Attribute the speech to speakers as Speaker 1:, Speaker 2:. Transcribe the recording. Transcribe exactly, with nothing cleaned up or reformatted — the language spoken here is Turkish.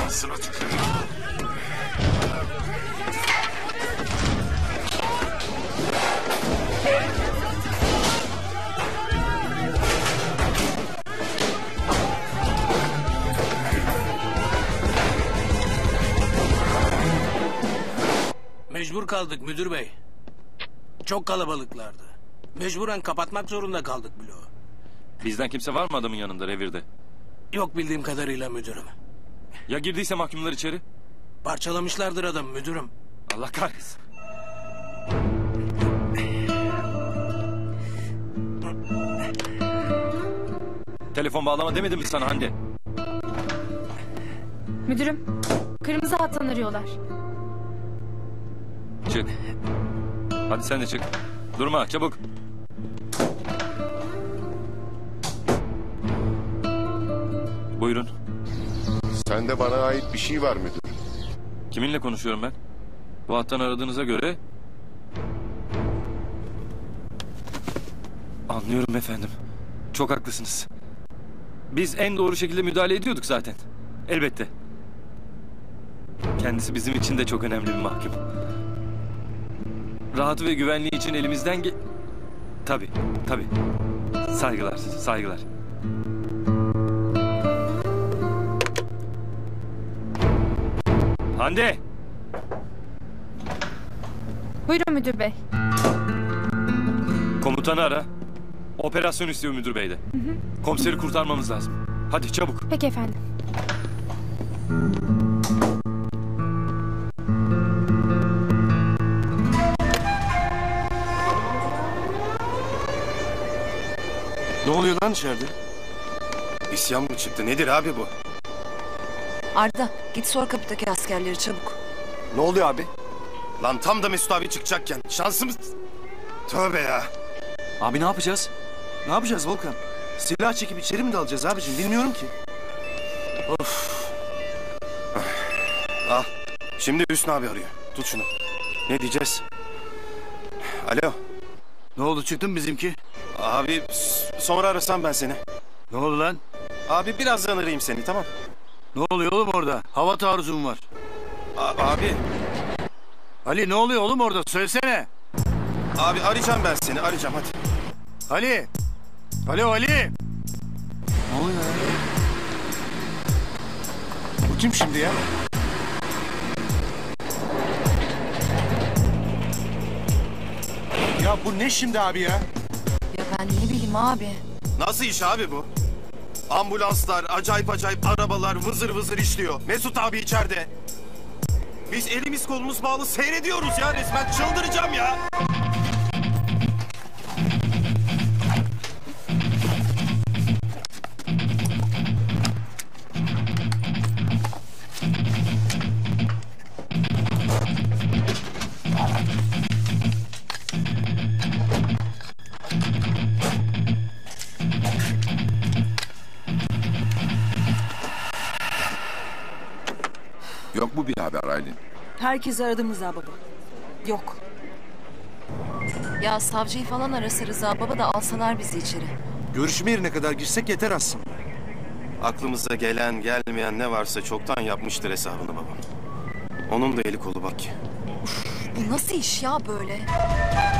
Speaker 1: Ağzına tüküreyim.
Speaker 2: Mecbur kaldık müdür bey. Çok kalabalıklardı. Mecburen kapatmak zorunda kaldık bloğu.
Speaker 3: Bizden kimse var mı adamın yanında revirde?
Speaker 2: Yok bildiğim kadarıyla müdürüm.
Speaker 3: Ya girdiyse mahkumlar içeri?
Speaker 2: Parçalamışlardır adam müdürüm.
Speaker 3: Allah kahretsin. Telefon bağlama demedim mi sana Hande?
Speaker 4: Müdürüm, kırmızı hattan arıyorlar.
Speaker 3: Çık. Hadi sen de çık. Durma çabuk. Buyurun.
Speaker 1: Sende bana ait bir şey var müdür.
Speaker 3: Kiminle konuşuyorum ben? Bu hattan aradığınıza göre... Anlıyorum efendim. Çok haklısınız. Biz en doğru şekilde müdahale ediyorduk zaten. Elbette. Kendisi bizim için de çok önemli bir mahkum. Rahatı ve güvenliği için elimizden ge... Tabii, tabii. Saygılar, saygılar. Hande!
Speaker 4: Buyurun müdür bey.
Speaker 3: Komutanı ara. Operasyon istiyor müdür bey de. Hı hı. Komiseri kurtarmamız lazım. Hadi çabuk.
Speaker 4: Peki efendim.
Speaker 5: Ne oluyor lan içeride? İsyan mı çıktı? Nedir abi bu?
Speaker 6: Arda git sor kapıdaki askerleri çabuk.
Speaker 5: Ne oluyor abi? Lan tam da Mesut abi çıkacakken şansımız... Tövbe ya. Abi ne yapacağız? Ne yapacağız Volkan? Silah çekip içeri mi dalacağız abicim? Bilmiyorum ki. Of. Ah. Şimdi Hüsnü abi arıyor. Tut şunu. Ne diyeceğiz? Alo.
Speaker 7: Ne oldu, çıktın mı bizimki?
Speaker 5: Abi sonra arasam ben seni.
Speaker 7: Ne oldu lan?
Speaker 5: Abi birazdan arayayım seni, tamam.
Speaker 7: Ne oluyor oğlum orada? Hava taarruzum var.
Speaker 5: A abi.
Speaker 7: Ali ne oluyor oğlum orada? Söylesene.
Speaker 5: Abi arayacağım ben seni, arayacağım hadi.
Speaker 7: Ali. Alo Ali.
Speaker 5: Ne oluyor ya? Bu kim şimdi ya? Ya bu ne şimdi abi ya?
Speaker 6: Ya ben ne bileyim abi.
Speaker 5: Nasıl iş abi bu? Ambulanslar, acayip acayip arabalar vızır vızır işliyor. Mesut abi içeride. Biz elimiz kolumuz bağlı seyrediyoruz ya resmen. Çıldıracağım ya.
Speaker 1: Yok bu bir haber Aylin.
Speaker 6: Herkes aradı Rıza baba. Yok. Ya savcıyı falan arasa Rıza baba da alsalar bizi içeri.
Speaker 5: Görüşme yerine kadar girsek yeter aslında. Aklımıza gelen gelmeyen ne varsa çoktan yapmıştır hesabını babam. Onun da eli kolu bak ki.
Speaker 6: Bu nasıl iş ya böyle?